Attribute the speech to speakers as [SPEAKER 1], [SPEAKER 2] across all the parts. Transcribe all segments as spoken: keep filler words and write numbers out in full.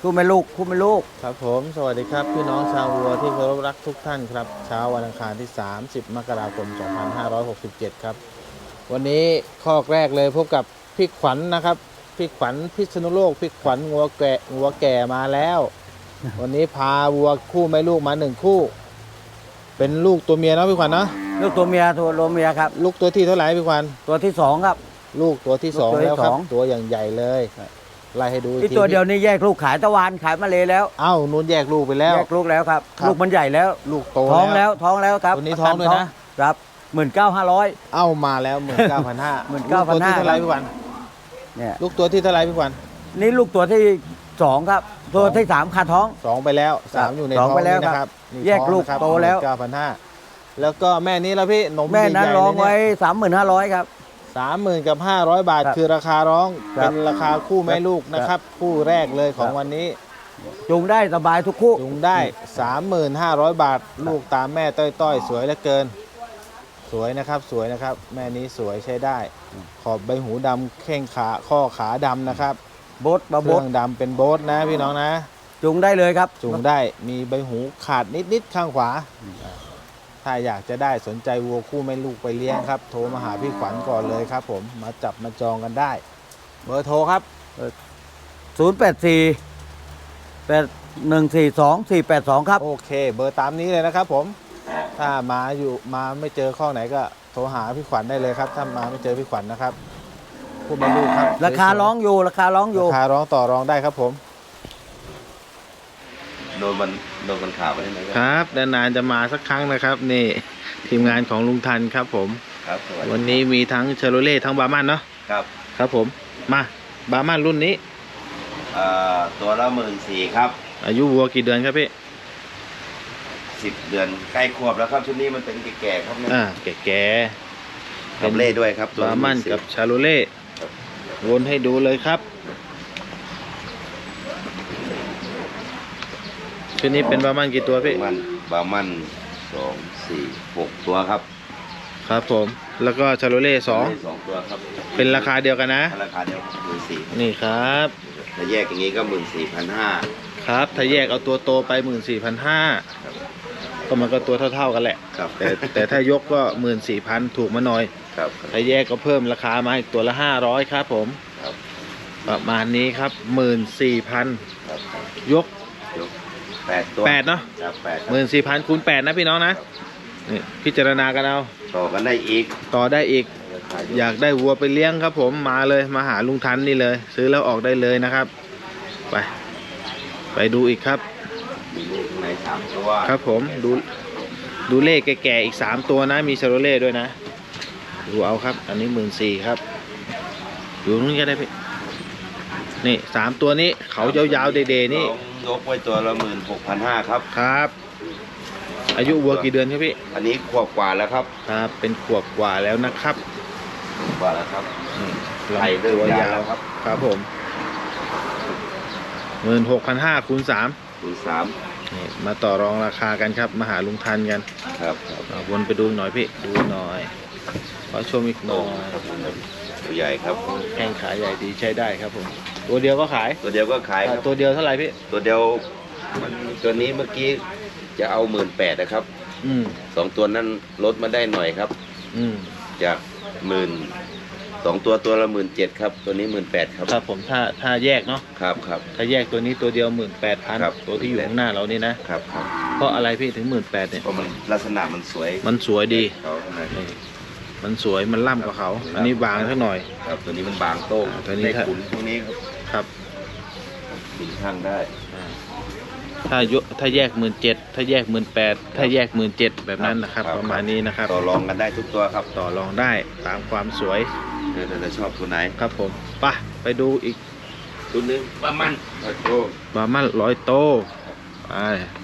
[SPEAKER 1] คู่แม่ลูกคู่แม่ลูก
[SPEAKER 2] ครับผมสวัสดีครับพี่น้องชาววัวที่เคารพรักทุกท่านครับเช้าวันอังคารที่สามสิบมกราคมสองพันห้าร้อยหกสิบเจ็ดครับวันนี้ข้อแรกเลยพบกับพี่ขวัญ นะครับพี่ขวัญพิษณุโลกพี่ขวัญงัวแก่งัวแก่มาแล้ว วันนี้พาวัวคู่แม่ลูกมาหนึ่งคู่ เป็นลูกตัวเมียเนาะพี่ขวัญเนาะ
[SPEAKER 1] ลูกตัวเมียตัวโลเมียครับ
[SPEAKER 2] ลูกตัวที่เท่าไหร่พี่ขวัญ
[SPEAKER 1] ตัวที่สองครับ
[SPEAKER 2] ลูกตัวที่สองแล้วครับตัวอย่างใหญ่เลยไล่ให้ดู
[SPEAKER 1] ที่ตัวเดียวนี่แยกลูกขายตะวันขายมาเลยแล้ว
[SPEAKER 2] เอ้านู้นแยกลูกไปแล้ว
[SPEAKER 1] แยกลูกแล้วครับลูกมันใหญ่แล้ว
[SPEAKER 2] ลูกโต
[SPEAKER 1] ท้องแล้วท้องแล้วครับ
[SPEAKER 2] ตัวนี้ท้องด้วยนะครับ
[SPEAKER 1] หมื่นเก้าห้าร้อย
[SPEAKER 2] เอ้ามาแล้วหมื่นเก้าพันห้า
[SPEAKER 1] หมื่นเก้าพันห้า
[SPEAKER 2] ตัวที่เท่าไรพี่ขวัญเนี่ยลูกตัวที่เท่าไรพี่ขวัญ
[SPEAKER 1] นี่ลูกตัวที่สองครับตัวที่สามขาท้อง
[SPEAKER 2] สองไปแล้วสามอยู่ในท้องนี่นะครับ
[SPEAKER 1] แยกลูกโตแล้ว
[SPEAKER 2] เก้าพันห้าแล้วก็แม่นี้แล้วพี่นม
[SPEAKER 1] แม่นั้นร้องไว้สามหมื่นห้าร้อยครับ
[SPEAKER 2] สามหมื่นกับห้าร้อยบาทคือราคาร้องเป็นราคาคู่แม่ลูกนะครับคู่แรกเลยของวันนี้
[SPEAKER 1] จูงได้สบายทุกคู่
[SPEAKER 2] จูงได้สามหมื่นห้าร้อยบาทลูกตามแม่ต้อยๆสวยเหลือเกินสวยนะครับสวยนะครับแม่นี้สวยใช้ได้ขอบใบหูดำแข้งขาข้อขาดำนะครับ
[SPEAKER 1] โบ๊ทบะ
[SPEAKER 2] โบ๊ทดำเป็นโบ๊ทนะพี่น้องนะ
[SPEAKER 1] จูงได้เลยครับ
[SPEAKER 2] จูงได้มีใบหูขาดนิดๆข้างขวาถ้าอยากจะได้สนใจวัวคู่แม่ลูกไปเลี้ยงครับโทรมาหาพี่ขวัญก่อนเลยครับผมมาจับมาจองกันได้เบอร์โทรครับ
[SPEAKER 1] ศูนย์แปดสี่แปดหนึ่งสี่สองสี่แปดสองครับ
[SPEAKER 2] โอเคเบอร์ตามนี้เลยนะครับผมถ้ามาอยู่มาไม่เจอข้อไหนก็โทรหาพี่ขวัญได้เลยครับถ้ามาไม่เจอพี่ขวัญนะครับคู่แม่ลูกครับ
[SPEAKER 1] ราคาร้องอยู่ราคาร้องอยู่
[SPEAKER 2] ราคาร้องต่อรองได้ครับผม
[SPEAKER 3] โดนมันโดนมันข่าวไปได้ไหม
[SPEAKER 2] ครับนานๆจะมาสักครั้งนะครับนี่ทีมงานของลุงทันครับผม
[SPEAKER 3] ครับ
[SPEAKER 2] วันนี้มีทั้งเชโรเล่ทั้งบาร์มันเนาะ
[SPEAKER 3] ครับ
[SPEAKER 2] ครับผมมาบาร์มันรุ่นนี้
[SPEAKER 3] ตัวละหมื่นสี่ครับ
[SPEAKER 2] อายุวัวกี่เดือนครับพี่
[SPEAKER 3] สิบเดือนใกล้ขวบแล้วครับชุดนี้มันเป็นแก่ๆครับเนี่ย
[SPEAKER 2] อ่าแก่
[SPEAKER 3] ๆกับเล่ด้วยครับ
[SPEAKER 2] บาร์มันกับชาโรเล่วนให้ดูเลยครับชุดนี้เป็นบาร์มันกี่ตัวพี่
[SPEAKER 3] มันบาร์มันสองสี่หกตัวครับ
[SPEAKER 2] ครับผมแล้วก็ชาโรเล่สอง
[SPEAKER 3] สองตัวครับ
[SPEAKER 2] เป็นราคาเดียวกันนะ
[SPEAKER 3] ราคาเดียวหมื่นสี่
[SPEAKER 2] นี่ครับ
[SPEAKER 3] ถ้าแยกอย่างนี้ก็หมื่นสี่พันห้า
[SPEAKER 2] ครับถ้าแยกเอาตัวโตไปหมื่นสี่พันห้าก็มันก็ตัวเท่าๆกันแหละ
[SPEAKER 3] ครับ
[SPEAKER 2] แต่แต่ถ้ายกก็หมื่นสี่พันถูกมาหน่อย
[SPEAKER 3] ครับ
[SPEAKER 2] ถ้าแยกก็เพิ่มราคามาอีกตัวละห้าร้อยครับผมประมาณนี้ครับหมื่นสี่พันยก
[SPEAKER 3] แปดตัว
[SPEAKER 2] แปดเนาะหมื่นสี่พันคูณแปดนะพี่น้องนะนี่พิจารณากันเอา
[SPEAKER 3] ต่อกันได้อีก
[SPEAKER 2] ต่อได้อีกอยากได้วัวไปเลี้ยงครับผมมาเลยมาหาลุงทันนี่เลยซื้อแล้วออกได้เลยนะครับไปไปดูอีกครับ
[SPEAKER 3] ในสามตัว
[SPEAKER 2] ครับผมดูดูเลขแก่ๆอีกสามตัวนะมีชาโรเล่ด้วยนะดูเอาครับอันนี้หมื่นสี่ครับอยู่ตรงนี้ก็ได้พี่นี่สามตัวนี้เขายาวๆเด่ๆนี่
[SPEAKER 3] ยกไว้ตัวละหมื่นหกพันห้าครับ
[SPEAKER 2] ครับอายุวัวกี่เดือนครับพี่
[SPEAKER 3] อันนี้ขวบกว่าแล้วครับ
[SPEAKER 2] ครับเป็นขวบกว่าแล้วนะครับ
[SPEAKER 3] กว่าแล้วครับ
[SPEAKER 2] ไข่ตัวยาวครับครับผมหมื่นหกพันห้าคูณสาม
[SPEAKER 3] คูณสาม
[SPEAKER 2] นี่มาต่อรองราคากันครับมาหาลุงทันกัน
[SPEAKER 3] ครับ
[SPEAKER 2] วนไปดูหน่อยพี่ดูหน่อยขอชมอีกหน่อย
[SPEAKER 3] ตัวใหญ่ครับ
[SPEAKER 2] แข้งขาใหญ่ดีใช้ได้ครับผมตัวเดียวก็ขาย
[SPEAKER 3] ตัวเดียวก็ขาย
[SPEAKER 2] ตัวเดียวเท่าไหร่พี่
[SPEAKER 3] ตัวเดียวมันตัวนี้เมื่อกี้จะเอาหมื่นแปดนะครับ
[SPEAKER 2] อืม
[SPEAKER 3] สองตัวนั้นลดมาได้หน่อยครับ
[SPEAKER 2] อืม
[SPEAKER 3] จากหมื่นสองตัวตัวละหมื่นเจ็ดครับตัวนี้หมื่นแปดครับ
[SPEAKER 2] ครับผมถ้าถ้าแยกเนาะ
[SPEAKER 3] ครับครับ
[SPEAKER 2] ถ้าแยกตัวนี้ตัวเดียวหมื่นแปดพันตัวที่อยู่ข้างหน้าเรานี่นะครับ
[SPEAKER 3] ครับ
[SPEAKER 2] เพราะอะไรพี่ถึงหมื่นแปดเนี่ย
[SPEAKER 3] เพราะมันลักษณะมันสวย
[SPEAKER 2] มันสวยดีมันสวยมันล่ำกว่าเขาอันนี้บางสักหน่อย
[SPEAKER 3] ครับตัวนี้มันบางโต้ง
[SPEAKER 2] ตัวนี้
[SPEAKER 3] ขุนตรงนี้
[SPEAKER 2] ครับ
[SPEAKER 3] ขุนข้างได้
[SPEAKER 2] ถ้ายกถ้าแยกหมื่นเจ็ดถ้าแยกหมื่นแปดถ้าแยกหมื่นเจ็ดแบบนั้นนะครับประมาณนี้นะครับ
[SPEAKER 3] ต่อรองกันได้ทุกตัวครับ
[SPEAKER 2] ต่อรองได้ตามความสวย
[SPEAKER 3] เดี๋ยวจะชอบตัวไหน
[SPEAKER 2] ครับผมไปไปดูอีก
[SPEAKER 3] ตัวนึงบามันร้อยโต
[SPEAKER 2] บามันร้อยโตไป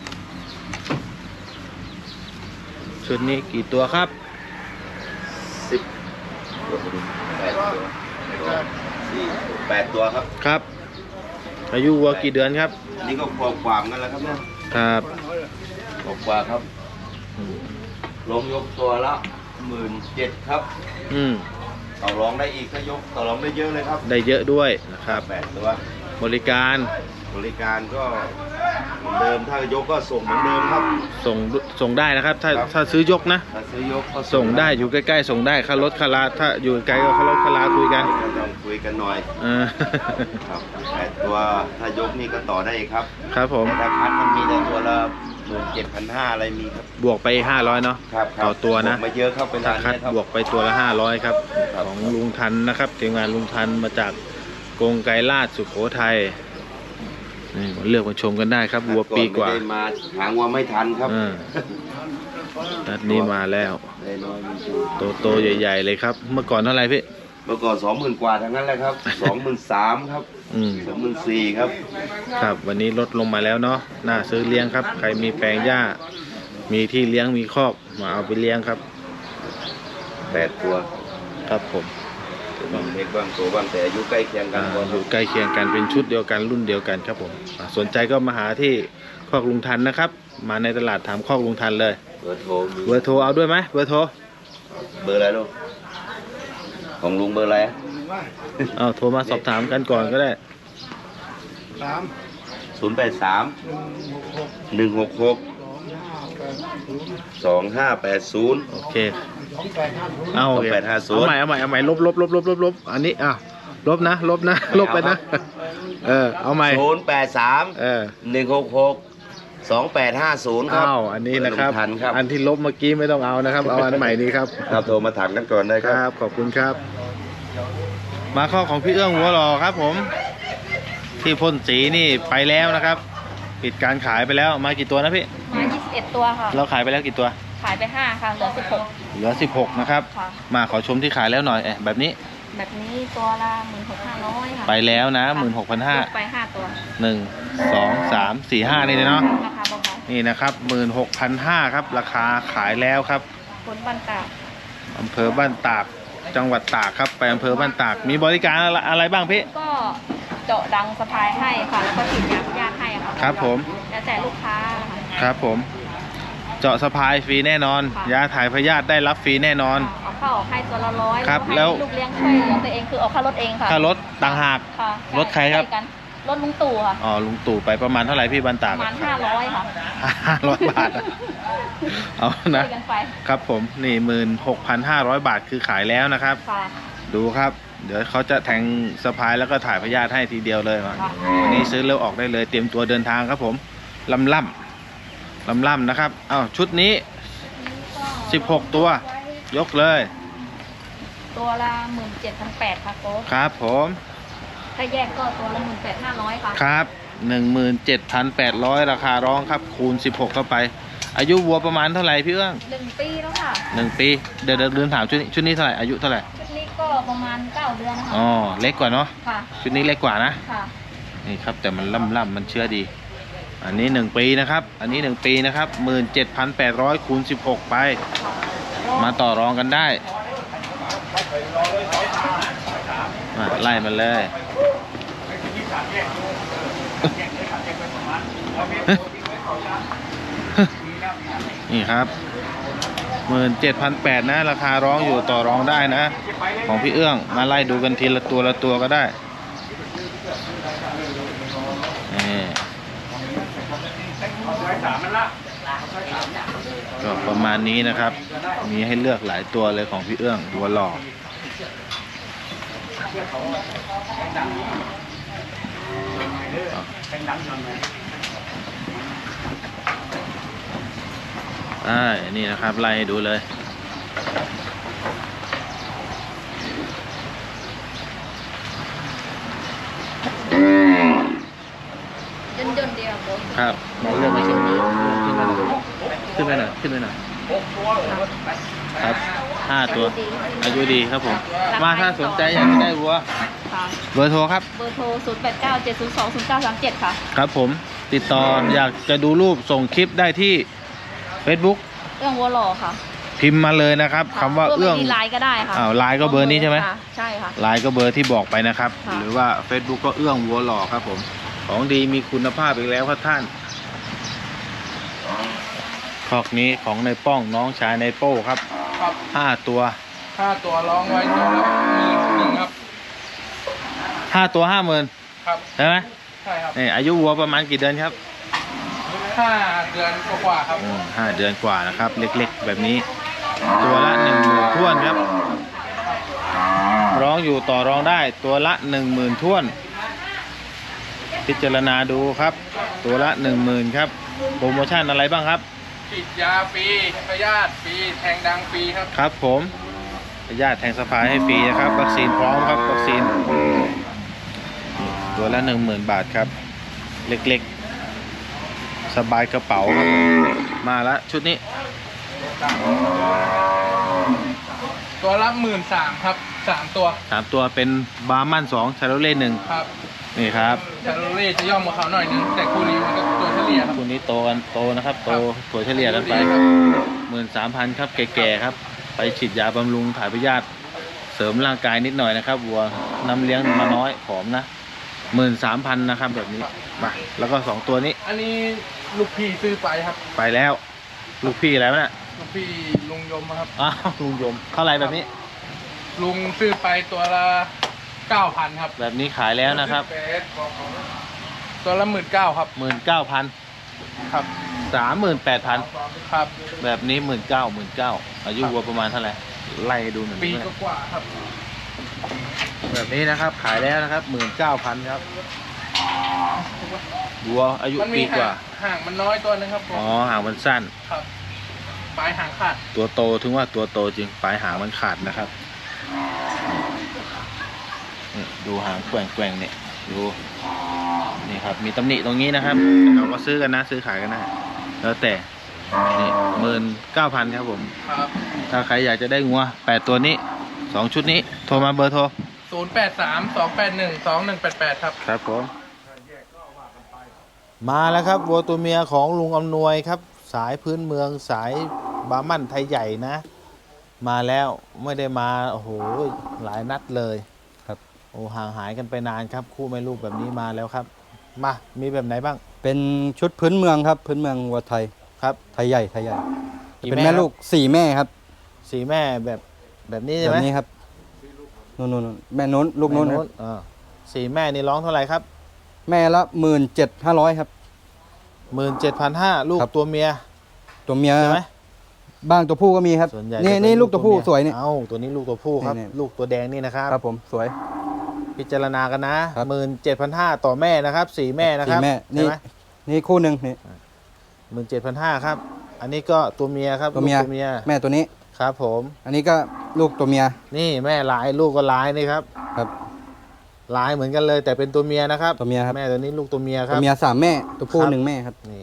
[SPEAKER 2] ชุดนี้กี่ตัวครับ
[SPEAKER 3] สิบแปดตัวสี่แปดตัวครับ
[SPEAKER 2] ครับอายุวัวกี่เดือนครับ
[SPEAKER 3] นี่ก็ขวบกว่ากันแล้วครับเนี่ย
[SPEAKER 2] ครับ
[SPEAKER 3] ขวบกว่าครับลงยกตัวละหมื่นเจ็ดครับ
[SPEAKER 2] อืม
[SPEAKER 3] ต่อรองได้อีกถ้ายกต่อรองได้เยอะเลยครับ
[SPEAKER 2] ได้เยอะด้วยนะครับ
[SPEAKER 3] แปดตัว
[SPEAKER 2] บริการ
[SPEAKER 3] บริการก็เหมือนเดิมถ้ายกก็ส่งเหมือนเดิมครับ
[SPEAKER 2] ส่งส่งได้นะครับ ถ้า
[SPEAKER 3] ครับ
[SPEAKER 2] ถ้าซื้อยกนะ
[SPEAKER 3] ถ้าซื้อยกก็
[SPEAKER 2] ส่งได้อยู่ใกล้ๆส่งได้ค่ารถค่าลาถ้าอยู่ไกลก็ค่ารถค่าลาคุยกัน
[SPEAKER 3] ก็ต้องคุยกันหน่อย
[SPEAKER 2] เออ
[SPEAKER 3] ครับแต่ตัวถ้ายกนี่ก็ต่อได้อีกครับ
[SPEAKER 2] ครับผม
[SPEAKER 3] แต่ถ้าคัดมันมีแต่ตัวละหมื่นเจ็ดพันห้าอะไรมีครับ
[SPEAKER 2] บวกไปห้าร้อยเนาะ
[SPEAKER 3] ครับครับ
[SPEAKER 2] ต่อตัวนะ
[SPEAKER 3] บกไม่เยอะครับเป็น
[SPEAKER 2] ถ้า
[SPEAKER 3] ร้าน
[SPEAKER 2] คัด
[SPEAKER 3] เนี้ยครับ
[SPEAKER 2] บวกไปตัวละห้าร้อยครับ
[SPEAKER 3] ครับ
[SPEAKER 2] ของลุงทันนะครับทีมงานลุงทันมาจากกรงไกรลาดสุโขทัยนี่มาเลือกมาชมกันได้ครับวัวปีกว่า
[SPEAKER 3] ไม่ได้มาหางวัวไม่ทันครับ
[SPEAKER 2] เออนัดนี้มาแล้ว
[SPEAKER 3] ได้น้อยจริง
[SPEAKER 2] โตโตๆใหญ่ๆเลยครับ เมื่อก่อนเท่าไหร่พี่
[SPEAKER 3] ๆเมื่อก่อนสองหมื่นกว่าทั้งนั้นแหละครับสองหมื่นสามครับ
[SPEAKER 2] อืม
[SPEAKER 3] สองหมื่นสี่ครับ
[SPEAKER 2] ครับวันนี้ลดลงมาแล้วเนาะน่าซื้อเลี้ยงครับ ใครมีแปลงหญ้า มีที่เลี้ยงมีคอกมาเอาไปเลี้ยงครับ
[SPEAKER 3] แปดตัว
[SPEAKER 2] ครับผม
[SPEAKER 3] บางเล็กบางโตบางแต่อายุใกล้เคียงกัน
[SPEAKER 2] อ่า
[SPEAKER 3] ก็
[SPEAKER 2] อยู่ใกล้เคียงกันเป็นชุดเดียวกันรุ่นเดียวกันครับผมอ่าสนใจก็มาหาที่คอกลุงทันนะครับ มาในตลาดถามคอกลุงทันเลย
[SPEAKER 3] เบอร์โทรมี
[SPEAKER 2] เบอร์โทรเอาด้วยไหมเบอร์โทร
[SPEAKER 3] เบอร์อะไรลูกของลุงเบอร์อะไร
[SPEAKER 2] เอาโทรมาสอบถามกันก่อนก็ได้
[SPEAKER 3] ศูนย์แปดสามหนึ่งหกหกสองห้าแปดศูนย์
[SPEAKER 2] โอเคเอาโอเค
[SPEAKER 3] สองแปดห้าศูนย์
[SPEAKER 2] เอาใหม่เอาใหม่เอาใหม่ลบลบลบลบลบลบอันนี้อ้าวลบนะลบนะลบไปนะเออเอาใหม่
[SPEAKER 3] ศูนย์แปดสาม
[SPEAKER 2] เออ
[SPEAKER 3] หนึ่งหกหกสองแปดห้าศูนย์ครับ
[SPEAKER 2] อ้าวอันนี้นะครับ
[SPEAKER 3] ทันครับ
[SPEAKER 2] อันที่ลบเมื่อกี้ไม่ต้องเอานะครับ เอาอันใหม่นี้ครับ
[SPEAKER 3] ครับโทรมาถามกันก่อนได้
[SPEAKER 2] ค
[SPEAKER 3] ครับ
[SPEAKER 2] รับขอบคุณครับ มาข้อของพี่เอื้องหัวหล่อครับผม ที่พ่นสีนี่ไปแล้วนะครับ ปิดการขายไปแล้วมากี่ตัวนะพี่
[SPEAKER 4] มายี่สิบเอ็ดตัวค่ะ
[SPEAKER 2] เราขายไปแล้วกี่ตัว
[SPEAKER 4] ขายไปห้าค่ะ เหลือสิบหก
[SPEAKER 2] เหลือสิบหกนะครับ
[SPEAKER 4] ค่ะ
[SPEAKER 2] มาขอชมที่ขายแล้วหน่อยเอ๊ะแบบนี้
[SPEAKER 4] แบบนี้ตัวละหมื่นหกห้าร้อยค่ะ
[SPEAKER 2] ไปแล้วนะหมื่นหกพันห้า
[SPEAKER 4] ลดไปห้าตัว
[SPEAKER 2] หนึ่งสองสามสี่ห้านี่เลยเนาะ
[SPEAKER 4] ราคาเบา
[SPEAKER 2] นี่นะครับหมื่นหกพันห้าครับ ราคาขายแล้วครับ
[SPEAKER 4] ๆคนบ้านตาก
[SPEAKER 2] อำเภอบ้านตากจังหวัดตากครับไปอำเภอบ้านตากมีบริการอะไรอะไรบ้างพี่
[SPEAKER 4] ก็เจาะดังสะพายให้ค่ะ แล้วก็ฉีดยาพยาธิให้ค่ะ
[SPEAKER 2] ครับผม
[SPEAKER 4] แล้วแต่ลูกค้าค่ะ
[SPEAKER 2] ครับผม เจาะสะพายฟรีแน่นอน
[SPEAKER 4] ค่ะ
[SPEAKER 2] ยาถ่ายพยาธิได้รับฟรีแน่นอน
[SPEAKER 4] เอาเข้าออกให้ตัวละร้อย
[SPEAKER 2] ครับ
[SPEAKER 4] ให้
[SPEAKER 2] แล้ว
[SPEAKER 4] ลูกเลี้ยงช่วยเหลือตัวเองคือเอาค่ารถเองค่ะ
[SPEAKER 2] ค่ารถต่างหาก
[SPEAKER 4] ค่ะ
[SPEAKER 2] รถใครครับ
[SPEAKER 4] ช่วยกันรถลุงตู่ค่ะ
[SPEAKER 2] อ๋อลุงตู่ไปประมาณเท่าไหร่พี่บ้าน
[SPEAKER 4] ป
[SPEAKER 2] ตาก
[SPEAKER 4] ระมาณห้าร้อยค่ะ
[SPEAKER 2] ห้าร้อยบาทอะเอา
[SPEAKER 4] ช่
[SPEAKER 2] นะ
[SPEAKER 4] วยกันไป
[SPEAKER 2] ครับผมนี่หมื่นหกพันห้าร้อยบาทคือขายแล้วนะครับ
[SPEAKER 4] ค่ะ
[SPEAKER 2] ดูครับ เดี๋ยวเขาจะแทงสะพายแล้วก็ถ่ายพยาธิให้ทีเดียวเลยว่ะ
[SPEAKER 4] ค่ะ
[SPEAKER 2] วันนี้ซื้อแล้วออกได้เลยเตรียมตัวเดินทางครับผมลำล่ำลำล่ำนะครับอ้าวชุดนี้สิบหกตัวยกเลย
[SPEAKER 4] ตัวละหมื่นเจ็ดพันแปดค่ะโค้ช
[SPEAKER 2] ครับผม
[SPEAKER 4] ถ้าแยกก็ตัวละหมื่นแปดห้าร้อยค่ะ
[SPEAKER 2] ครับ หนึ่งหมื่นเจ็ดพันแปดร้อย ราคาร้องครับคูณสิบหกเข้าไป อายุวัวประมาณเท่าไหร่พี่เอื้อง
[SPEAKER 4] หนึ่งปีแล้วค่ะ
[SPEAKER 2] หนึ่งปีเดี๋ยวเดี๋ยวลืมถามชุดนี้ชุดนี้เท่าไหร่อายุเท่าไหร่
[SPEAKER 4] ชุดนี้ก็ประมาณเก้าเดือนนะคะ
[SPEAKER 2] อ๋อเล็กกว่าเนาะ
[SPEAKER 4] ค่ะ
[SPEAKER 2] ชุดนี้เล็กกว่านะ
[SPEAKER 4] ค่ะ
[SPEAKER 2] นี่ครับแต่มันล่ำล่ำมันเชื่อดี อันนี้หนึ่งปีนะครับอันนี้หนึ่งปีนะครับหมื่นเจ็ดพันแปดร้อยคูณสิบหกไป มาต่อรองกันได้มาไล่มันเลย นี่ครับหมื่นเจ็ดพันแปดนะ ราคาร้องอยู่ต่อรองได้นะ ของพี่เอื้องมาไล่ดูกันทีละตัวละตัวก็ได้นี่ก็ประมาณนี้นะครับ มีให้เลือกหลายตัวเลยของพี่เอื้องหัวหล่ออ่านี่นะครับไล่ให้ดูเลย
[SPEAKER 4] ย่นย่นๆเดียวโค้ช
[SPEAKER 2] ครับมาเลือกมาชมนี้ขึ้นไปหน่อยขึ้นไปหน่อยครับห้าตัว อายุดีครับผม มาถ้าสนใจอยากจะได้วัว
[SPEAKER 4] ค่ะ
[SPEAKER 2] เบอร์โทรครับ
[SPEAKER 4] เบอร์โทรศูนย์แปดเก้าเจ็ดศูนย์สองศูนย์เก้าสามเจ็ดค่ะ
[SPEAKER 2] ครับผมติดต่ออยากจะดูรูปส่งคลิปได้ที่ Facebook
[SPEAKER 4] เอื้องวัวหล่อค่ะ
[SPEAKER 2] พิมพ์มาเลยนะครับคำว่าเอื้อง
[SPEAKER 4] มีไลน์ก็ได้ค่ะ
[SPEAKER 2] อ้าวไลน์ก็เบอร์นี้ใช่ไหม
[SPEAKER 4] ค่ะใช่ค่ะ
[SPEAKER 2] ไลน์ก็เบอร์ที่บอกไปนะครับ
[SPEAKER 4] ค่ะ
[SPEAKER 2] หรือว่า Facebook ก็เอื้องวัวหล่อครับผมของดีมีคุณภาพอีกแล้วครับท่านคอกนี้ของในป้องน้องชายในโป้ครับ
[SPEAKER 5] ครับ
[SPEAKER 2] ห้าตัว
[SPEAKER 5] ค่าตัวร้องไว้ตัวละหมื่นหนึ่งครับ
[SPEAKER 2] ห้าตัวห้าหมื่น
[SPEAKER 5] ครับ
[SPEAKER 2] ใช่ไหม
[SPEAKER 5] ใช่ครับ
[SPEAKER 2] นี่อายุวัวประมาณกี่เดือนครับ
[SPEAKER 5] ห้าเดือนกว่าๆครับ
[SPEAKER 2] อืมห้าเดือนกว่านะครับ เล็กๆ แบบนี้ ตัวละหนึ่งหมื่นท้วนครับ ร้องอยู่ต่อรองได้ตัวละหนึ่งหมื่นท้วน พิจารณาดูครับ ตัวละหนึ่งหมื่นครับโปรโมชั่นอะไรบ้างครับ
[SPEAKER 5] ฉีดยาฟรีพยาธิฟรีแทงดังฟรีครับ
[SPEAKER 2] ครับผมญาติแทงสะพายให้ฟรีนะครับวัคซีนพร้อมครับวัคซีนตัวละหนึ่งหมื่นบาทครับ เล็กๆ สบายกระเป๋าครับมาละชุดนี้
[SPEAKER 5] ตัวละหมื่นสามครับสามตัว
[SPEAKER 2] สามตัวเป็นบาร์มันสองชาโรเล่หนึ่ง
[SPEAKER 5] ครับ
[SPEAKER 2] นี่ครับ
[SPEAKER 5] ชาโรเล่จะย่อมกว่าเขาหน่อยนึงแต่คู่นี้มันก็ตัวเฉลี่ยครับ
[SPEAKER 2] คู่นี้โตกันโตนะครับ โตถั่วเฉลี่ยกันไปหมื่นสามพันครับแก่ๆครับ ไปฉีดยาบำรุงถ่ายพยาธิเสริมร่างกายนิดหน่อยนะครับวัวน้ำเลี้ยงมาน้อยผอมนะหมื่นสามพันนะครับแบบนี้มาแล้วก็สองตัวนี้
[SPEAKER 5] อันนี้ลูกพี่ซื้อไปครับ
[SPEAKER 2] ไปแล้ว ลูกพี่แล้วนะ
[SPEAKER 5] ลูกพี่ลุงยมครับ
[SPEAKER 2] อ้าวลุงยมเท่าไหรแบบนี้
[SPEAKER 5] ลุงซื้อไปตัวละเก้าพันครับ
[SPEAKER 2] แบบนี้ขายแล้วนะครับ
[SPEAKER 5] ตัวละหมื่นเก้าครับ
[SPEAKER 2] หมื่นเก้าพัน
[SPEAKER 5] ครับ
[SPEAKER 2] สามหมื่นแปดพัน
[SPEAKER 5] ครับ
[SPEAKER 2] แบบนี้หมื่นเก้าหมื่นเก้าอายุวัวประมาณเท่าไหร่ไล่ดูหน่อย
[SPEAKER 5] ปี
[SPEAKER 2] ได้ไหม
[SPEAKER 5] กว่าๆครับ
[SPEAKER 2] แบบนี้นะครับขายแล้วนะครับหมื่นเก้าพันครับวัวอายุ
[SPEAKER 5] มัน
[SPEAKER 2] ปี
[SPEAKER 5] มี
[SPEAKER 2] กว่า
[SPEAKER 5] ห่างมันน้อยตัวนึงครับผม
[SPEAKER 2] อ๋อหางมันสั้น
[SPEAKER 5] ครับปลายหางขาด
[SPEAKER 2] ตัวโตถึงว่าตัวโตจริงปลายหางมันขาดนะครับนี่ดูหางแกว่งแกว่งๆเนี่ยดูนี่ครับมีตำหนิตรงนี้นะครับเราก็ซื้อกันนะซื้อขายกันนะแล้วแต่นี่หมื่นเก้าพันครับผม
[SPEAKER 5] ครับ
[SPEAKER 2] ถ้าใครอยากจะได้งัวแปดตัวนี้สองชุดนี้โทรมาเบอร์โทร
[SPEAKER 5] ศูนย์แปดสามสองแปดหนึ่งสองหนึ่งแปดแปดครับ
[SPEAKER 2] ครับผมมาแล้วครับวัวตัวเมียของลุงอำนวยครับ สายพื้นเมืองสายบาร์มันไทยใหญ่นะ มาแล้วไม่ได้มาโอ้โหหลายนัดเลยครับโอ้ห่างหายกันไปนานครับ คู่แม่ลูกแบบนี้มาแล้วครับ มามีแบบไหนบ้าง
[SPEAKER 1] เป็นชุดพื้นเมืองครับ พื้นเมืองวัวไทย
[SPEAKER 2] ครับ
[SPEAKER 1] ไทยใหญ่ไทยใหญ่
[SPEAKER 2] กี่
[SPEAKER 1] เป็น
[SPEAKER 2] แม่
[SPEAKER 1] แม่
[SPEAKER 2] ครับ
[SPEAKER 1] ลูกสี่แม่ครับ
[SPEAKER 2] สีแม่แบบแบบนี้
[SPEAKER 1] แบ
[SPEAKER 2] ใช่ไหม
[SPEAKER 1] บนี้ครับนู่นนู่นนู่นแม่นู้นลูกนู้นครับ
[SPEAKER 2] อ่าสีแม่นี่ร้องเท่าไหร่ครับ
[SPEAKER 1] แม่ละหมื่นเจ็ดห้าร้อยครับ
[SPEAKER 2] หมื่นเจ็ดพันห้าลูก
[SPEAKER 1] ครับ
[SPEAKER 2] ตัวเมีย
[SPEAKER 1] ตัวเมีย
[SPEAKER 2] ใช่ไหม
[SPEAKER 1] บ้างตัวผู้ก็มีครับ
[SPEAKER 2] ส่วนใหญ่
[SPEAKER 1] นี่
[SPEAKER 2] จะเป็
[SPEAKER 1] นี่ลูกตัวผู้
[SPEAKER 2] มี
[SPEAKER 1] สวยนี่
[SPEAKER 2] เอ้าตัวนี้ลูกตัวผู้ครับ
[SPEAKER 1] นี่นี่
[SPEAKER 2] ลูกตัวแดงนี่นะครับ
[SPEAKER 1] ครับผมสวย
[SPEAKER 2] พิจารณากันนะครับ หมื่นเจ็ดพันห้าต่อแม่นะครับสี่แม่นะครับ
[SPEAKER 1] สี่แม่
[SPEAKER 2] ใช่
[SPEAKER 1] นี่
[SPEAKER 2] ไหม
[SPEAKER 1] นี่คู่หนึ่งนี่
[SPEAKER 2] หมื่นเจ็ดพันห้าครับ อันนี้ก็ตัวเมียครับ
[SPEAKER 1] ตัวเมีย
[SPEAKER 2] ลูกตัวเมีย
[SPEAKER 1] แม่ตัวนี้
[SPEAKER 2] ครับผม
[SPEAKER 1] อันนี้ก็ลูกตัวเมีย
[SPEAKER 2] นี่แม่ลายลูกก็ลายนี่ครับ
[SPEAKER 1] ครับ
[SPEAKER 2] ลายเหมือนกันเลย แต่เป็นตัวเมียนะครับ
[SPEAKER 1] ตัวเมียครับ
[SPEAKER 2] แม่ตัวนี้ลูกตัวเมียค
[SPEAKER 1] ตั
[SPEAKER 2] รั
[SPEAKER 1] ว
[SPEAKER 2] บ
[SPEAKER 1] เมียสามแม่ตัวผู้
[SPEAKER 2] ครับ
[SPEAKER 1] หนึ่งแม่ครับ
[SPEAKER 2] นี่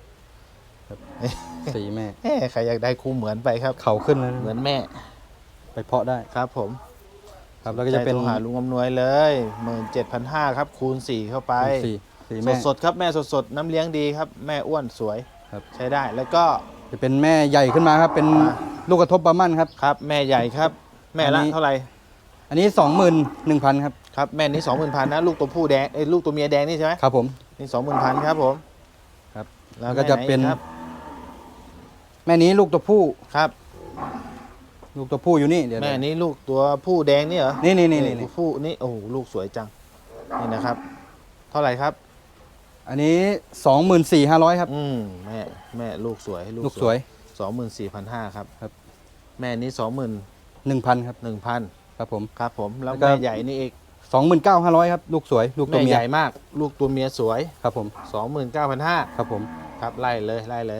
[SPEAKER 1] สี่แม่
[SPEAKER 2] เอ๊ะใครอยากได้คู่เหมือนไปครับ
[SPEAKER 1] เขาขึ้นแล้ว
[SPEAKER 2] เหมือนแม่
[SPEAKER 1] ไปเพาะได้
[SPEAKER 2] ครับผม
[SPEAKER 1] ครับแล้วก็จะเป็น
[SPEAKER 2] ใจโทรหาลุงอำนวยเลยหมื่นเจ็ดพันห้าครับคูณสี่เข้าไป
[SPEAKER 1] สี่สี่
[SPEAKER 2] ส
[SPEAKER 1] แม่
[SPEAKER 2] ดสดๆครับแม่สดสดๆน้ำเลี้ยงดีครับ แม่อ้วนสวย
[SPEAKER 1] ครับ
[SPEAKER 2] ใช้ได้แล้วก็
[SPEAKER 1] จะเป็นแม่ใหญ่ขึ้นมาครับ เป็น
[SPEAKER 2] อ่า
[SPEAKER 1] ลูกกระทบบาร์มันครับ
[SPEAKER 2] ครับแม่ใหญ่ครับ แม่
[SPEAKER 1] อั
[SPEAKER 2] ละ
[SPEAKER 1] นนี้
[SPEAKER 2] เท่าไหร่
[SPEAKER 1] อันนี้สองหมื่นหนึ่งพันครับ
[SPEAKER 2] ครับแม่นี้สองหมื่นพันนะลูกตัวผู้แดงเอ้ยลูกตัวเมียแดงนี่ใช่ไหม
[SPEAKER 1] ครับผม
[SPEAKER 2] นี่สองหมื่นพันครับผม
[SPEAKER 1] ครับ
[SPEAKER 2] แล้
[SPEAKER 1] แล้ว วก็จะเป็น
[SPEAKER 2] แม่ไหครับ
[SPEAKER 1] แม่นี้ลูกตัวผู้
[SPEAKER 2] ครับ
[SPEAKER 1] ลูกตัวผู้อยู่นี่เดี๋ยว
[SPEAKER 2] แม่นี้ลูกตัวผู้แดงนี่เหรอ
[SPEAKER 1] นี่นี่นี่นี่
[SPEAKER 2] ตัวผู้นี่โอ้โหลูกสวยจังนี่นะครับ เท่าไหร่ครับ
[SPEAKER 1] อันนี้สองหมื่นสี่ห้าร้อยครับ
[SPEAKER 2] อืมแม่แม่ลูกสวย
[SPEAKER 1] ลูกสวย
[SPEAKER 2] สองหมื่นสี่พันห้าครับ
[SPEAKER 1] ครับ
[SPEAKER 2] แม่นี้สองหมื่น
[SPEAKER 1] หนึ่งพันครับ
[SPEAKER 2] หนึ่งพัน
[SPEAKER 1] ครับผม
[SPEAKER 2] ครับผมแล้ว
[SPEAKER 1] แล้วก็
[SPEAKER 2] แม่ใหญ่นี่อีก
[SPEAKER 1] สองหมื่นเก้าห้าร้อยครับ ลูกสวย ลูกตัว
[SPEAKER 2] แม่
[SPEAKER 1] เมีย
[SPEAKER 2] ใหญ่มาก ลูกตัวเมียสวย
[SPEAKER 1] ครับผม
[SPEAKER 2] สองหมื่นเก้าพันห้า
[SPEAKER 1] ครับผม
[SPEAKER 2] ครับไล่เลยไล่เลย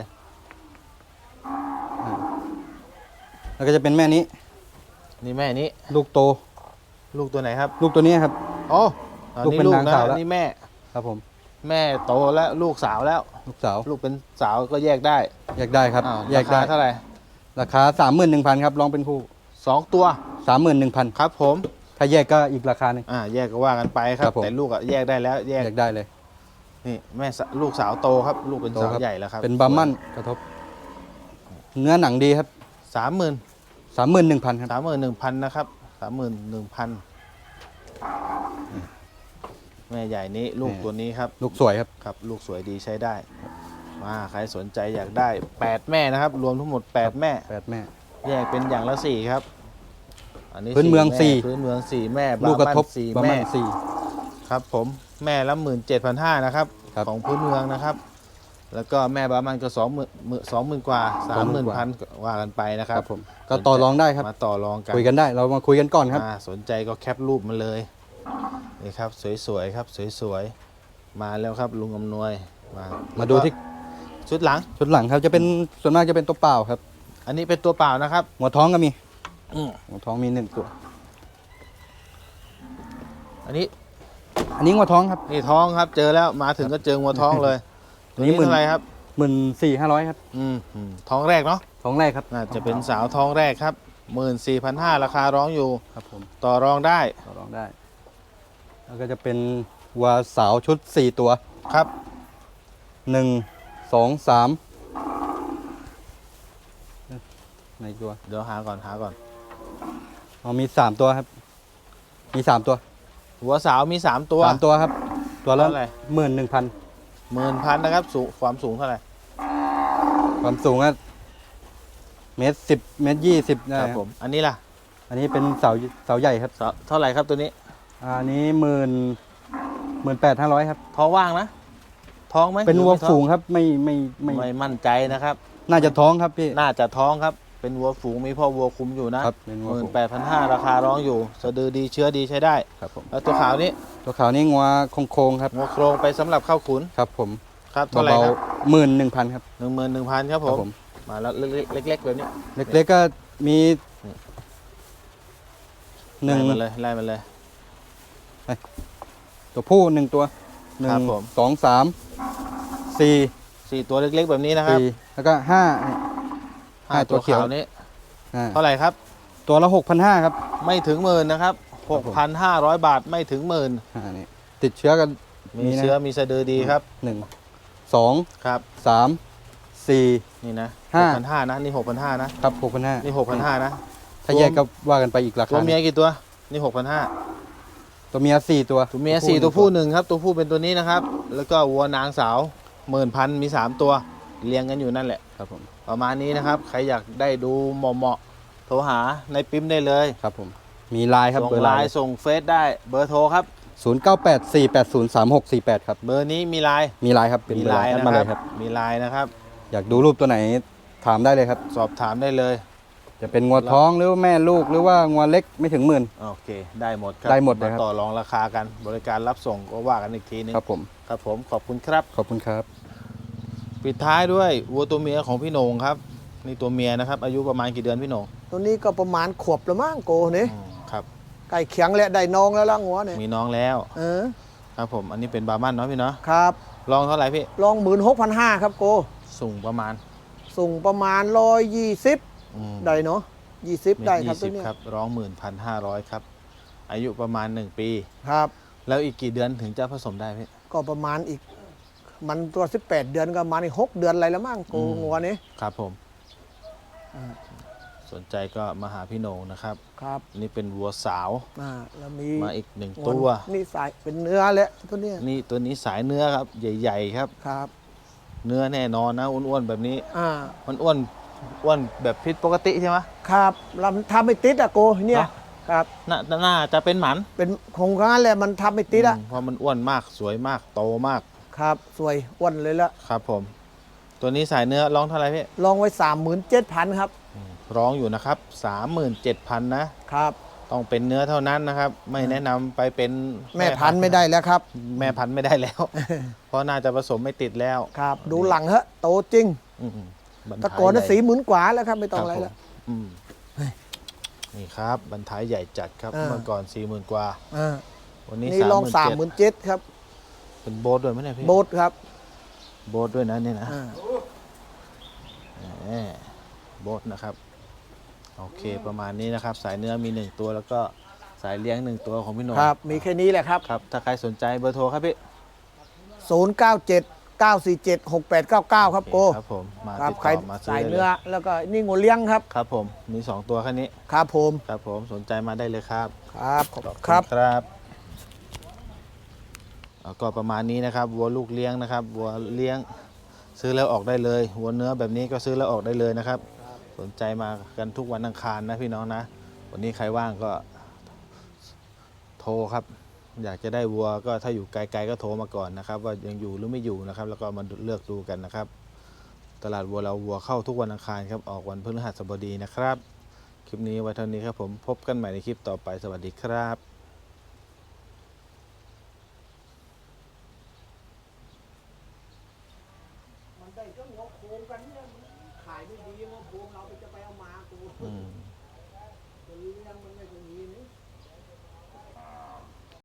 [SPEAKER 1] แล้วก็จะเป็นแม่นี้
[SPEAKER 2] นี่แม่นี้
[SPEAKER 1] ลูกโต
[SPEAKER 2] ลูกตัวไหนครับ
[SPEAKER 1] ลูกตัวนี้ครับ
[SPEAKER 2] โอ้อัน
[SPEAKER 1] ลูก
[SPEAKER 2] นี้
[SPEAKER 1] เป็น
[SPEAKER 2] ลูก
[SPEAKER 1] นาง
[SPEAKER 2] นะ
[SPEAKER 1] สาวแล้ว
[SPEAKER 2] นี่แม่
[SPEAKER 1] ครับผม
[SPEAKER 2] แม่โตแล้วลูกสาวแล้ว
[SPEAKER 1] ลูกสาว
[SPEAKER 2] ลูกเป็นสาวก็แยกได้
[SPEAKER 1] แยกได้ครับ
[SPEAKER 2] อ้าว
[SPEAKER 1] แยกได้
[SPEAKER 2] ราคาเท่าไหร่
[SPEAKER 1] ราคาสามหมื่นหนึ่งพันครับลองเป็นคู่
[SPEAKER 2] สองตัว
[SPEAKER 1] สามหมื่นหนึ่งพัน
[SPEAKER 2] ครับผม
[SPEAKER 1] ถ้าแยกก็อีกราคาหนึ่ง
[SPEAKER 2] อ่าแยกก็ว่ากันไปครั
[SPEAKER 1] ครับ บผม
[SPEAKER 2] แต่ลูกอะแยกได้แล้วแยก
[SPEAKER 1] แยกได้เลย
[SPEAKER 2] นี่แม่สะลูกสาวโตครับ ลูกเป็น
[SPEAKER 1] โต
[SPEAKER 2] สาว
[SPEAKER 1] ครับ
[SPEAKER 2] ใหญ่แล้วครับ
[SPEAKER 1] เป็นบาร์มันกระทบ เนื้อหนังดีครับ
[SPEAKER 2] สามหมื่น
[SPEAKER 1] สามหมื่นหนึ่งพันครับ
[SPEAKER 2] สามหมื่นหนึ่งพันนะครับสามหมื่นหนึ่งพันแม่ใหญ่นี้ลูกตัวนี้ครับ
[SPEAKER 1] ลูกสวยครับ
[SPEAKER 2] ครับ ลูกสวยดีใช้ได้ มาใครสนใจอยากได้แปดแม่นะครับ รวมทั้งหมดแปดแม่
[SPEAKER 1] แปดแม่
[SPEAKER 2] แยกเป็นอย่างละสี่ครับ อันนี้
[SPEAKER 1] พื้นเมือง
[SPEAKER 2] แ
[SPEAKER 1] สี่
[SPEAKER 2] พื้นเมืองสี่แม่
[SPEAKER 1] ลูกกระทบ
[SPEAKER 2] บ้านสี่
[SPEAKER 1] บาร์
[SPEAKER 2] แม่
[SPEAKER 1] มันสี่
[SPEAKER 2] ครับผมแม่ละหมื่นเจ็ดพันห้านะครับ
[SPEAKER 6] ครับ
[SPEAKER 2] ของพื้นเมืองนะครับ แล้วก็แม่บามันก็สองหมื่นสองหมื่นกว่าสามหมื่นพันว่ากันไปนะค
[SPEAKER 6] ค
[SPEAKER 2] รั
[SPEAKER 6] รับ บผมก็ต่อรองได้ครับ
[SPEAKER 2] มาต่อรองกัน
[SPEAKER 6] คุยกันได้เรามาคุยกันก่อนครับ
[SPEAKER 2] อ่าสนใจก็แคปรูปมาเลยนี่ครับสวยๆครับสวยๆมาแล้วครับลุงอำนวยมา
[SPEAKER 6] มาดูที่
[SPEAKER 2] ชุดหลัง
[SPEAKER 6] ชุดหลังครับจะเป็นส่วนมากจะเป็นตัวเปล่าครับ
[SPEAKER 2] อันนี้เป็นตัวเปล่านะครับ
[SPEAKER 6] หัวท้องก็มี
[SPEAKER 2] อืม
[SPEAKER 6] หัวท้องมีหนึ่งตัว
[SPEAKER 2] อันนี้
[SPEAKER 6] อันนี้หัวท้องครับ
[SPEAKER 2] นี่ท้องครับเจอแล้วมาถึงก็เจองัวท้องเลยตัวนี้
[SPEAKER 6] นี่หมื่น
[SPEAKER 2] เท่าไหรครับ
[SPEAKER 6] หมื่นสี่ห้าร้อยครับ
[SPEAKER 2] อืมอืมท้องแรกเนาะ
[SPEAKER 6] ท้องแรกครับ
[SPEAKER 2] น่าจะเป็นสาวท้องแรกครับหมื่นสี่พันห้าราคาร้องอยู่
[SPEAKER 6] ครับผม
[SPEAKER 2] ต่อรองได้
[SPEAKER 6] ต่อรองได้ แล้วก็จะเป็นวัวสาวชุดสี่ตัว
[SPEAKER 2] ครับ
[SPEAKER 6] หนึ่งสองสามในตัว
[SPEAKER 2] เดี๋ยวหาก่อนหาก่อน
[SPEAKER 6] อ๋อมีสามตัวครับ มีสามตัว
[SPEAKER 2] หัวสาวมีสามตัว
[SPEAKER 6] สามตัวครับ ตัวละ
[SPEAKER 2] เท่าไหร่
[SPEAKER 6] หมื่นหนึ่งพัน
[SPEAKER 2] หมื่นพันนะครับสูงความสูงเท่าไหร่
[SPEAKER 6] ความสูงก็เมตรสิบเมตรยี่สิบได้
[SPEAKER 2] ค
[SPEAKER 6] ค
[SPEAKER 2] รั
[SPEAKER 6] รั
[SPEAKER 2] บบ ผมอันนี้ล่ะ
[SPEAKER 6] อันนี้เป็นเสาเสาใหญ่ครับ
[SPEAKER 2] สาวเท่าไหร่ครับตัวนี้
[SPEAKER 6] อันนี้หมื่นหมื่นแปดห้าร้อยครับ
[SPEAKER 2] ท้องว่างนะท้องไหม
[SPEAKER 6] เป็น
[SPEAKER 2] หรือ
[SPEAKER 6] วัว
[SPEAKER 2] ไม่ท้อ
[SPEAKER 6] ฝูงครับไม่ไม่ไม่
[SPEAKER 2] ไม่มั่นใจนะครับ
[SPEAKER 6] น่าจะท้องครับพี่
[SPEAKER 2] น่าจะท้องครับเป็นวัวฝูงมีพ่อวัวคุมอยู่นะครับ
[SPEAKER 6] เป็นวั
[SPEAKER 2] ห
[SPEAKER 6] ว
[SPEAKER 2] มื่น
[SPEAKER 6] ฝูง
[SPEAKER 2] แปดพันห้าราคาร้องอยู่สะดือดีเชื้อดีใช้ได้
[SPEAKER 6] ครับผม
[SPEAKER 2] แล้วตัวขาวนี้
[SPEAKER 6] ตัวขาวนี่งัวโค้งๆครับ
[SPEAKER 2] งัวโครงไปสำหรับเข้าขุน
[SPEAKER 6] ครับผม
[SPEAKER 2] ครับเท่าไหร่
[SPEAKER 6] เบา
[SPEAKER 2] ครับ
[SPEAKER 6] หมื่นหนึ่งพันครับ
[SPEAKER 2] หนึ่งหมื่นหนึ่งพันครับ
[SPEAKER 6] ค
[SPEAKER 2] ผ
[SPEAKER 6] รับ
[SPEAKER 2] ม
[SPEAKER 6] ผม
[SPEAKER 2] มาแล้วเล็กๆเล็กๆแบบนี้
[SPEAKER 6] เล็กๆก็มีหนึ่ง
[SPEAKER 2] ไล่มาเลยไล่มาเลย
[SPEAKER 6] ตัวผู้หนึ่งตัวหนึ่
[SPEAKER 2] ครั
[SPEAKER 6] ง
[SPEAKER 2] บผม
[SPEAKER 6] สองสามสี่
[SPEAKER 2] สี่ตัวเล็กๆแบบนี้นะครับ
[SPEAKER 6] สี่แล้วก็ห้า
[SPEAKER 2] ห้า
[SPEAKER 6] ตั
[SPEAKER 2] ตัว ว
[SPEAKER 6] เขียว
[SPEAKER 2] ขาวนี้
[SPEAKER 6] อ่า
[SPEAKER 2] เท่าไหร่ครับ
[SPEAKER 6] ตัวละหกพันห้าครับ
[SPEAKER 2] ไม่ถึงหมื่นนะครับ
[SPEAKER 6] ครั
[SPEAKER 2] ห
[SPEAKER 6] บ
[SPEAKER 2] ก
[SPEAKER 6] ผม
[SPEAKER 2] พันห้าร้อยบาทไม่ถึงหมื่น
[SPEAKER 6] อ่านี่ติดเชื้อกัน
[SPEAKER 2] มีเชื้อมีสะดือดีครับ
[SPEAKER 6] หนึ่งสอง
[SPEAKER 2] ครับ
[SPEAKER 6] สามสี่
[SPEAKER 2] นี่นะ
[SPEAKER 6] ห้า
[SPEAKER 2] หกพันห้านะนี่หกพันห้านะครับ
[SPEAKER 6] หกพันห้า
[SPEAKER 2] นี่หกพันห้านะ
[SPEAKER 6] ถ้าแยกก็ว่ากันไปอีกรา
[SPEAKER 2] ตัว
[SPEAKER 6] คา
[SPEAKER 2] เมียกี่ตัวนี่หกพันห้า
[SPEAKER 6] ตัวเมียสี่ตัว
[SPEAKER 2] ตัวเมียสี่ตัวผู้หนึ่งครับตัวผู้เป็นตัวนี้นะครับ แล้วก็วัวนางสาวหมื่นพันมีสามตัวเลี้ยงกันอยู่นั่นแหละ
[SPEAKER 6] ครับผม
[SPEAKER 2] ประมาณนี้นะครับใครอยากได้ดูเหมาะๆโทรหาในปิ๊มได้เลย
[SPEAKER 6] ครับผมมีไลน์ครับ
[SPEAKER 2] ส่ง
[SPEAKER 6] เบอร์
[SPEAKER 2] ไล
[SPEAKER 6] ไล
[SPEAKER 2] น์
[SPEAKER 6] น์
[SPEAKER 2] ส่งเฟซได้เบอร์โทรครับ
[SPEAKER 6] ศูนย์เก้าแปดสี่แปดศูนย์สามหกสี่แปดครับ
[SPEAKER 2] เบอร์นี้มีไลน์
[SPEAKER 6] มีไลน์ครับเป็น
[SPEAKER 2] มี
[SPEAKER 6] เบอร์
[SPEAKER 2] ไล
[SPEAKER 6] ไลน์
[SPEAKER 2] น์
[SPEAKER 6] แอด
[SPEAKER 2] นะ
[SPEAKER 6] มา
[SPEAKER 2] ค
[SPEAKER 6] เล
[SPEAKER 2] รับ
[SPEAKER 6] ยครับ
[SPEAKER 2] มีไลน์นะครับ
[SPEAKER 6] อยากดูรูปตัวไหนถามได้เลยครับ
[SPEAKER 2] สอบถามได้เลย
[SPEAKER 6] จะเป็นงัวท้องหรือว่าแม่ลูกหรือว่างัวเล็กไม่ถึงหมื่น
[SPEAKER 2] โอเคได้หมดครับ
[SPEAKER 6] ได้หมดเลยครับ
[SPEAKER 2] ต่อรองราคากันบริการรับส่งก็ว่ากันอีกทีนึง
[SPEAKER 6] ครับผม
[SPEAKER 2] ครับผมขอบคุณครับ
[SPEAKER 6] ขอบคุณครับ
[SPEAKER 2] ปิดท้ายด้วยวัวตัวเมียของพี่โหน่งครับนี่ตัวเมียนะครับอายุประมาณกี่เดือนพี่โหน่ง
[SPEAKER 7] ตัวนี้ก็ประมาณขวบละมั้งโกนี่
[SPEAKER 2] อืมครับ
[SPEAKER 7] ไก่เขียงและได้น้องแล้วล่ะหัวเนี่ย
[SPEAKER 2] มีน้องแล้ว
[SPEAKER 7] เออ
[SPEAKER 2] ครับผมอันนี้เป็นบาร์มันเนาะพี่เนาะ
[SPEAKER 7] ครับ
[SPEAKER 2] ลองเท่าไหร่พี่
[SPEAKER 7] ลองหมื่นหกพันห้าครับโก
[SPEAKER 2] สูงประมาณ
[SPEAKER 7] ส่งประมาณร้อยยี่สิบ
[SPEAKER 2] อืม
[SPEAKER 7] ได้เนาะยี่สิบ
[SPEAKER 2] เมต
[SPEAKER 7] ได้
[SPEAKER 2] ร
[SPEAKER 7] ครับ
[SPEAKER 2] ยี่
[SPEAKER 7] ตั
[SPEAKER 2] สิ
[SPEAKER 7] ว
[SPEAKER 2] บ
[SPEAKER 7] เนี้ย
[SPEAKER 2] ครับร้องหมื่นพันห้าร้อยครับอายุประมาณหนึ่งปี
[SPEAKER 7] ครับ
[SPEAKER 2] แล้วอีกกี่เดือนถึงจะผสมได้พี่
[SPEAKER 7] ก็ประมาณอีก มันตัวสิบแปดเดือนก็ประมาณอีกหกเดือนอะไรแล้วมั้งโก
[SPEAKER 2] อืม
[SPEAKER 7] งัวนี้
[SPEAKER 2] ครับผม
[SPEAKER 7] อ่า
[SPEAKER 2] สนใจก็มาหาพี่โหน่งนะครับ
[SPEAKER 7] ครับ
[SPEAKER 2] นี่เป็นวัวสาว
[SPEAKER 7] อ่าแล้วมี
[SPEAKER 2] มาอีกหนึ่ง
[SPEAKER 7] ง
[SPEAKER 2] ตัว
[SPEAKER 7] นี่สายเป็นเนื้อแหละตัวเนี้ย
[SPEAKER 2] นี่ตัวนี้สายเนื้อครับ ใหญ่ ๆ ครับ
[SPEAKER 7] ครับ
[SPEAKER 2] เนื้อแน่นอนนะอ้วนๆแบบนี้
[SPEAKER 7] อ่า
[SPEAKER 2] มันอ้วนอ้วนแบบผิดปกติใช่ไหม
[SPEAKER 7] ครับเราทำไม่ติดอะโกเนี่ย
[SPEAKER 2] เนอะ
[SPEAKER 7] ครับ
[SPEAKER 2] น่าน่าจะเป็นหมัน
[SPEAKER 7] เป็นของร้านแหละมันทำไม่ติดอะ
[SPEAKER 2] อืมเพราะมันอ้วนมากสวยมากโตมาก
[SPEAKER 7] ครับสวยอ้วนเลยละ
[SPEAKER 2] ครับผม ตัวนี้สายเนื้อร้องเท่าไหร่พี่
[SPEAKER 7] ลองไว้สามหมื่นเจ็ดพันครับ
[SPEAKER 2] ร้องอยู่นะครับสามหมื่นเจ็ดพันนะครับ ต้องเป็นเนื้อเท่านั้นนะครับ ไม่แนะนำไปเป็น
[SPEAKER 7] แม่พันธุ์ไม่ได้แล้วครับ
[SPEAKER 2] แม่พันธุ์ไม่ได้แล้ว เพราะน่าจะผสมไม่ติดแล้ว
[SPEAKER 7] ครับ ดูหลังฮะโตจริง
[SPEAKER 2] อืมบรร
[SPEAKER 7] ตะ
[SPEAKER 2] ทาย
[SPEAKER 7] โกอนน่ะ
[SPEAKER 2] ใหญ่
[SPEAKER 7] สีหมื่นกว่าแล้วครับไม่ต้องอะไร
[SPEAKER 2] คบ
[SPEAKER 7] แล้ว
[SPEAKER 2] ผมอืมนี่ครับบรรทายใหญ่จัดครับ
[SPEAKER 7] อ่า
[SPEAKER 2] เมื่อก่อนสี่หมื่นกว่า
[SPEAKER 7] อ่า
[SPEAKER 2] วันนี้
[SPEAKER 7] นี่ลองสามหมื่นเจ็ดครับ
[SPEAKER 2] เป็นโบ๊ทด้วยไหมเนี่ยพี่
[SPEAKER 7] โบทครับ
[SPEAKER 2] โบ๊ทด้วยนะนี่นะ
[SPEAKER 7] อ่า
[SPEAKER 2] แหมโบ๊ทนะครับโอเคประมาณนี้นะครับ สายเนื้อมีหนึ่งตัวแล้วก็สายเลี้ยงหนึ่งตัวของพี่โหน่ง
[SPEAKER 7] ครับ มีแค่นี้แหละครับ
[SPEAKER 2] ครับถ้าใครสนใจเบอร์โทรครับพี่
[SPEAKER 7] ศูนย์ เก้า เจ็ด เก้า สี่ เจ็ด หก แปด เก้า เก้า ครับโก
[SPEAKER 2] ครับผมมา
[SPEAKER 7] ครับ
[SPEAKER 2] ติด
[SPEAKER 7] ใคร
[SPEAKER 2] ต่อมาซื้
[SPEAKER 7] สาย
[SPEAKER 2] ได้ล
[SPEAKER 7] เนื้อแล้วก็นี่งูเลี้ยงครับ
[SPEAKER 2] ครับผมมีสองตัวแค่นี้
[SPEAKER 7] ครับผม
[SPEAKER 2] ครับผมสนใจมาได้เลยครับ
[SPEAKER 7] ครับขอบ
[SPEAKER 2] ขอบ
[SPEAKER 7] คุณ
[SPEAKER 2] ณ
[SPEAKER 7] ครับ
[SPEAKER 2] ครับแล้วก็ประมาณนี้นะครับวัวลูกเลี้ยงนะครับวัวเลี้ยงซื้อแล้วออกได้เลยวัวเนื้อแบบนี้ก็ซื้อแล้วออกได้เลยนะครับ สนใจมากันทุกวันอังคารนะพี่น้องนะ วันนี้ใครว่างก็โทรครับอยากจะได้วัวก็ถ้าอยู่ไกลๆก็โทรมาก่อนนะครับ ว่ายังอยู่หรือไม่อยู่นะครับ แล้วก็มาเลือกดูกันนะครับ ตลาดวัวเราวัวเข้าทุกวันอังคารครับออกวันพฤหัสบดีนะครับคลิปนี้ไว้เท่านี้ครับผมพบกันใหม่ในคลิปต่อไปสวัสดีครับ
[SPEAKER 7] มันได้ก็งอโคงกันเนี่ยมันขายไม่ดีงอโคงเราไปจะไปเอามากู
[SPEAKER 2] อืม
[SPEAKER 7] จะเลี้ยงมันไม่ตรงนี้นี่